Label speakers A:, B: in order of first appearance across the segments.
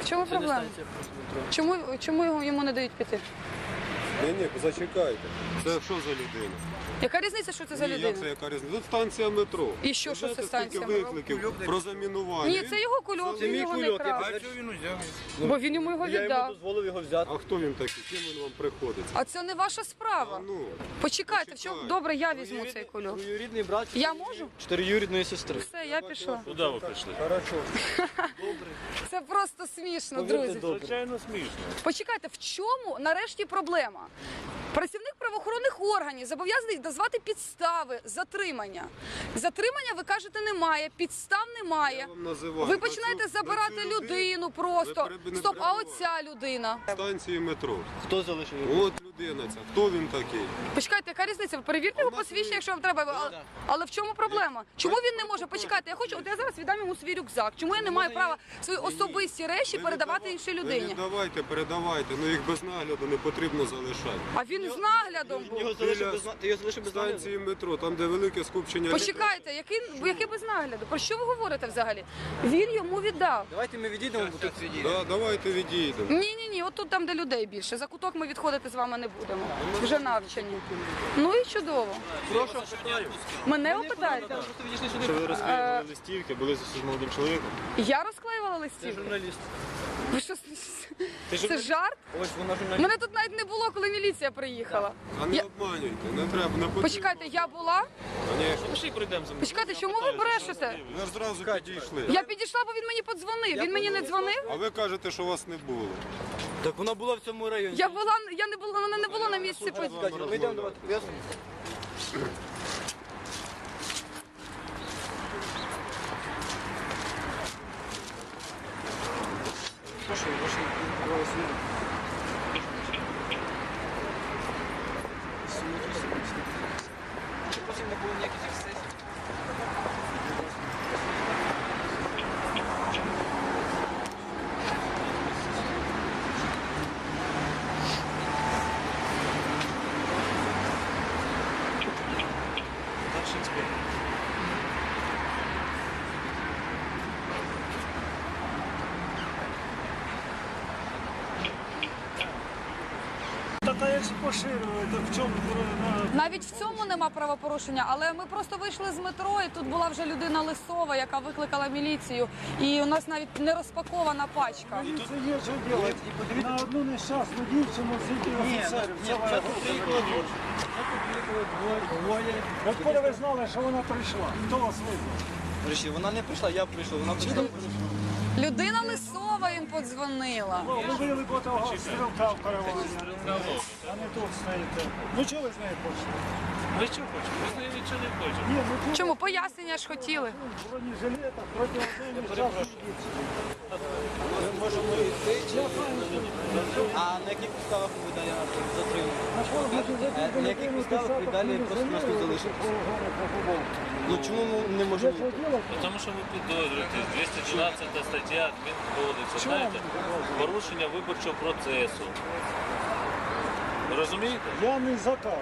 A: В чому проблема? Чому йому не дають піти?
B: Ні, зачекайте. Це що за людина?
A: Яка різниця, що це за
B: Ні,
A: людина?
B: як це яка різниця? Тут станція метро.
A: І що це станція
B: метро?
A: метро?
B: Викликів про замінування.
A: Ні, це його кульок, він його не крав. Бо він йому його
C: Я йому
A: віддав.
C: дозволив його взяти.
B: А хто він такий? Ким він вам приходиться?
A: А це не ваша справа.
B: Ну,
A: Почекайте, в чому?
B: почекай.
A: Добре, я візьму цей кульок.
C: Двоюрідний брат.
A: Я можу?
C: 4-юрідної сестри.
A: Все, я пішла.
D: Куди ви прийшли?
C: Хорошо.
A: Це просто смішно,
C: Повірте,
A: друзі.
C: добре.
D: Звичайно, смішно.
A: Почекайте, в чому нарешті проблема? Працівник правоохоронних органів зобов'язаний назвати підстави затримання. Затримання, ви кажете, немає, підстав немає.
B: я вам називаю.
A: Ви починаєте
B: На цю
A: забирати людину просто.
B: ви не
A: Стоп, а
B: перебивайте.
A: оця людина?
B: Станції метро.
C: Хто залишив його?
B: От людина ця. Хто він такий?
A: Почекайте, яка різниця? Ви перевірте його посвідчення, якщо вам треба. Але в чому проблема? Чому він не може? Почекайте, я хочу, от я зараз віддам йому свій рюкзак. Чому я не маю права свої особисті речі передавати іншій
B: Ви
A: людині?
B: віддавайте, передавайте, ну їх без нагляду не потрібно залишати.
A: А він з наглядом був.
C: Ти його залишив без нагляду?
B: Станції метро, там де велике скупчення людей.
A: Почекайте, який без нагляду? Про що ви говорите взагалі? Він йому віддав.
C: Давайте ми відійдемо, бо тут
B: Да, давайте відійдемо.
A: Ні, от тут там, де людей більше. За куток ми відходити з вами не будемо. Вже навчені. Ну і чудово.
C: прошу.
A: Мене опитаєте?
C: Просто відійшли сюди.
E: Що ви розклеювали листівки, були з молодим чоловіком?
A: Я розклеювала листівки.
C: Журналіст.
A: Ви що, це жарт?
C: Ось вона журналіст.
A: Мене тут навіть не було, коли міліція приїхала.
B: А не
A: Я-
B: обманюйте, не треба, не потрібно.
A: Почекайте, я була?
B: Конечно.
D: Пішли прийдемо за мною.
A: Почекайте, чому ви брешете?
B: Ми ж зразу підійшли.
A: Я підійшла, бо він мені подзвонив. Він мені не дзвонив?
B: А ви кажете, що вас не було.
C: Так вона була в цьому районі.
A: Я не була, вона не була на місці події.
C: Ми йдемо до вас. Ясно? Прошу, ваші права слова. Щоб потім не було ніяких ексцесів. Старший інспектор.
E: Та якщо поширювали, то в чому?
A: Навіть в цьому нема правопорушення, але ми просто вийшли з метро, і тут була вже людина Лисова, яка викликала міліцію. І у нас навіть не розпакована пачка.
E: Це є що робити. На одну нещасну дівчину сидів офіцерів. Це вона двоє. Откуда ви знали, що вона прийшла? Хто вас визвав?
C: Речі, вона не прийшла, я прийшов. Вона прийшла.
A: Людина Лисова їм подзвонила.
E: Ви били по того стрілка в каравані, а не тут стоїте. Ну чого ви з нею хочете?
D: Ви що хочете? Ми з нею нічого не хочемо.
E: Ні, ну тут
A: Чому? Пояснення ж хотіли.
E: бронежилета проти одної нещасної дівчини.
C: Ми можемо йти, а на яких підставах ви далі затримали? На яких підставах ви далі просто нас тут залишите? Ну чому ми не можемо?
D: Тому що ви підозрюєте, 212 стаття Адмінкодексу, знаєте, порушення виборчого процесу. Ви розумієте?
E: Я не заказ.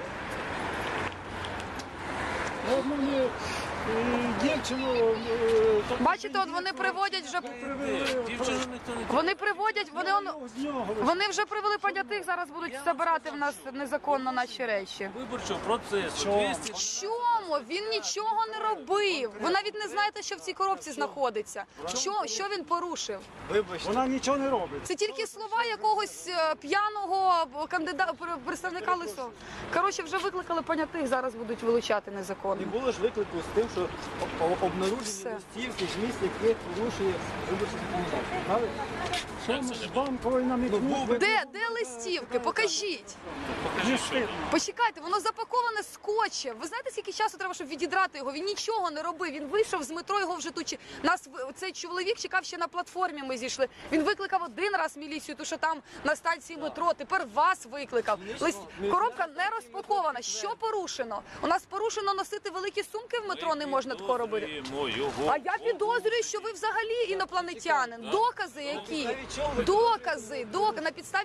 E: Одну мені дівчину...
A: Бачите, от вони приводять вже.
D: Дівчину ніхто не
A: Вони приводять,
E: з нього
A: вони вже привели понятих, зараз будуть забирати в нас незаконно наші речі.
D: виборчого процесу.
A: Чому? Він нічого не робив. Ви навіть не знаєте, що в цій коробці знаходиться. Що він порушив?
C: Вибачте.
E: Вона нічого не робить.
A: Це тільки слова якогось п'яного кандидата, представника Лисова. Коротше, вже викликали понятих, зараз будуть вилучати
C: Не
A: незаконно.
C: було ж виклику з тим, що обнаружені
A: Все.
C: листівки, зміст яких порушує виборче законодавство. Правильно?
E: Чому ж банковий намікнув?
A: Де листівки? Покажіть.
E: Не стидно.
A: Почекайте, воно запаковане скотчем. Ви знаєте, скільки часу треба, щоб відідрати його? Він нічого не робив. Він вийшов з метро, його вже тут. Нас цей чоловік чекав ще на платформі. Ми зійшли. Він викликав один раз міліцію, тому що там на станції метро. Тепер вас викликав. Коробка не розпакована. Що порушено? У нас порушено носити великі сумки в метро. Не можна такого робити. А я підозрюю, що ви взагалі інопланетянин. Докази які? Докази. На підставі чого?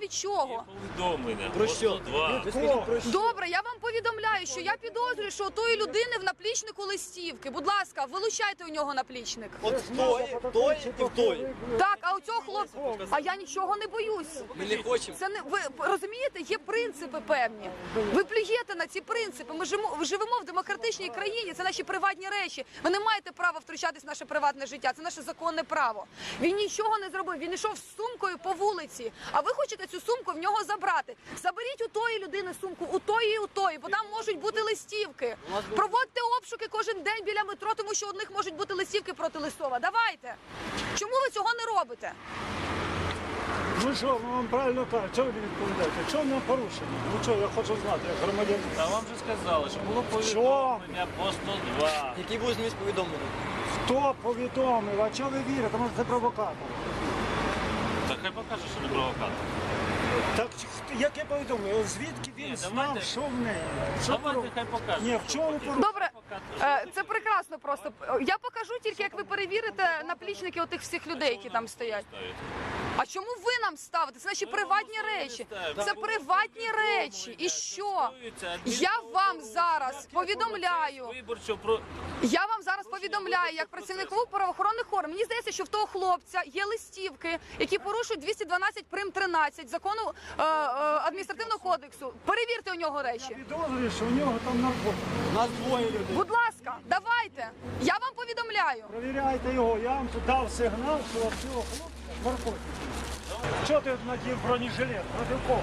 A: кого?
D: Повідомлення.
C: Про що?
D: 102.
C: Ви скажіть про що?
A: Добре, я вам повідомляю, що я підозрюю, що у тої людини в наплічнику листівки. Будь ласка, вилучайте у нього наплічник.
C: От в той і в той.
A: Так, а у цього хлопця, а я нічого не боюсь.
C: Ми не хочемо.
A: Це не ви розумієте, є принципи певні. Ви плюєте на ці принципи. Ми живемо в демократичній країні. Це наші приватні речі. Ви не маєте права втручатись в наше приватне життя. Це наше законне право. Він нічого не зробив. Він йшов з сумкою по вулиці. А ви хочете цю сумку в нього забрати? Заберіть у тої людини сумку, у тої і у тої, бо там можуть бути листівки. Проводьте обшуки кожен день біля метро, тому що у них можуть бути листівки проти Лисова. Давайте. Чому ви цього не робите?
E: Ну що, ми вам правильно кажуть, чого ви не відповідаєте? Чого нам порушення? Ну що, я хочу знати, як громадянин.
D: Та вам же сказали, що було повідомлення по 102.
C: Який був зміст повідомлення?
E: Хто повідомив? А чого ви вірите? Може це провокатор?
D: Та хай покаже, що не провокатор.
E: Так яке повідомлення? Звідки він
D: Ні,
E: знав,
D: давайте-
E: що в неї? Що
D: Давайте
E: пору-
D: хай покаже.
E: Ні, в чому порушення?
A: Добре, це прекрасно просто. Я покажу тільки, як ви перевірите наплічники отих всіх людей, які там стоять. А чому ви нам ставите? Це наші приватні речі. Це приватні речі. І що? Я вам зараз повідомляю. Я вам зараз повідомляю, як працівнику правоохоронних органів. Мені здається, що в того хлопця є листівки, які порушують 212 прим. 13 закону адміністративного кодексу. Перевірте у нього речі.
E: Підозрюю, що у нього там наркотики.
C: У нас двоє людей.
A: Будь ласка, давайте. Я вам повідомляю.
E: Провіряйте його, я вам тут дав сигнал, що у цього хлопця наркотики. Чого ти надів бронежилет? Проти кого?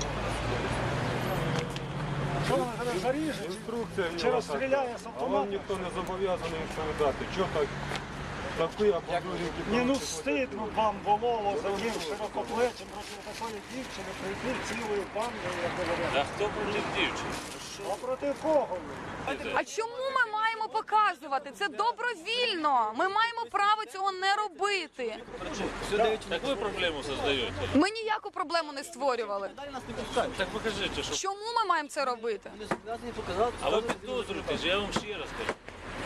E: Що вона тебе заріже?
B: Інструкція в
E: Чи
B: нього
E: розстріляє з
B: така. А
E: автомата?
B: вам ніхто не зобов'язаний відповідати. Чого так? Такі або
E: Ні, ну стидно вам було за тим широкоплечим проти такої дівчини прийти цілою бандою, як говорять.
D: Та хто проти дівчини?
E: А проти кого?
A: А чому ми маємо показувати? Це добровільно. Ми маємо право цього не робити.
D: Так ви проблему создаєте.
A: Ми ніяку проблему не створювали.
C: Далі нас не пускають.
D: Так покажіть, що.
A: Чому ми маємо це робити?
C: Вони зобов'язані показати.
D: А ви підозрюєте, я вам ще раз кажу.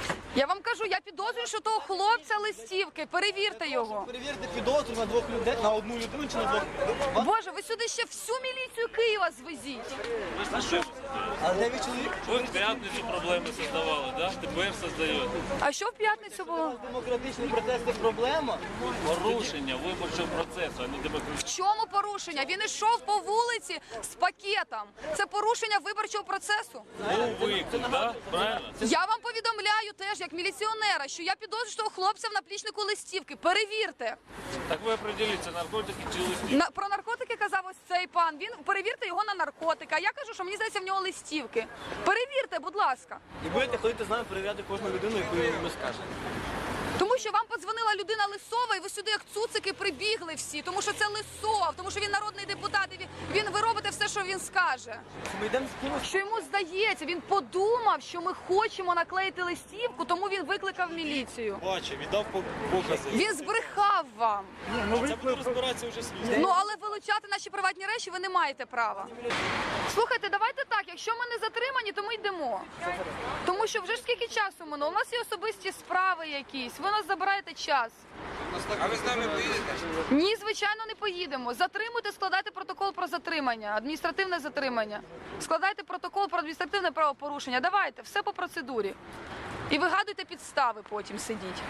A: Я вам кажу, я підозрюю, що того хлопця листівки. Перевірте його.
C: Перевірте підозру на двох людей, на одну людину чи на двох.
A: Боже, ви сюди ще всю міліцію Києва звезіть.
D: Ви ж на що?
C: А 9 чоловік?
D: Ви в п'ятницю проблеми создавали, да? Тепер создаєте.
A: А що в п'ятницю було?
C: Демократичний протест це проблема.
D: Порушення виборчого процесу, а не
A: В
D: демократичного.
A: чому порушення? Він йшов по вулиці з пакетом. Це порушення виборчого процесу.
D: Був виклик, да? Правильно?
A: Я вам повідомляю теж, як міліціонера, що я підозрюю, що того хлопця в наплічнику листівки. Перевірте.
D: Так ви определіться, наркотики чи листівки.
A: Про наркотики казав ось цей пан. Він перевірте його на наркотики. А я кажу, що мені здається в нього листівки. Перевірте, будь ласка.
C: І будете ходити з нами перевіряти кожну людину, яку ми скажемо.
A: Тому що вам подзвонила людина Лисова, і ви сюди як цуцики прибігли всі, тому що це Лисов, тому що він народний депутат, і ви робите все, що він скаже.
C: Ми йдемо з кимось.
A: Що йому здається, він подумав, що ми хочемо наклеїти листівку, тому він викликав міліцію.
C: Бачив, віддав покази.
A: Він збрехав вам.
E: Ні, ну ви
C: Розбиратися вже слід.
A: Ну але вилучати наші приватні речі ви не маєте права. Слухайте, давайте так. Якщо ми не затримані, то ми йдемо. Тому що вже ж скільки часу минуло. У нас є особисті справи якісь. Ви нас забираєте час.
F: А ви з нами поїдете?
A: Ні, звичайно, не поїдемо. Затримуйте, складайте протокол про затримання, адміністративне затримання. Складайте протокол про адміністративне правопорушення. Давайте, все по процедурі. І вигадуйте підстави потім сидіть.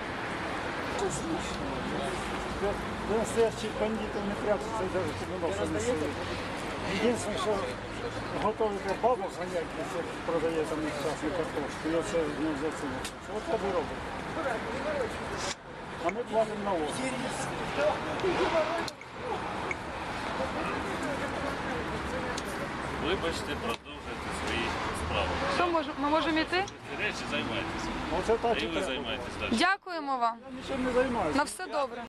E: до настоящих бандитів не прятаться і навіть під носом не сидить. Єдине, що готовите бабу ганяти, якщо продає там нещасну картошку, і оце не заціниться. От так і робить. А ми платимо налоги.
D: Вибачте, продовжуйте свої справи.
A: Що, ми можемо йти?
D: Ці речі займайтеся.
E: Оце так
D: І
E: і
D: ви
E: треба.
D: займайтесь далі.
A: Дякуємо вам.
E: Я нічим не займаюся.
A: На все добре.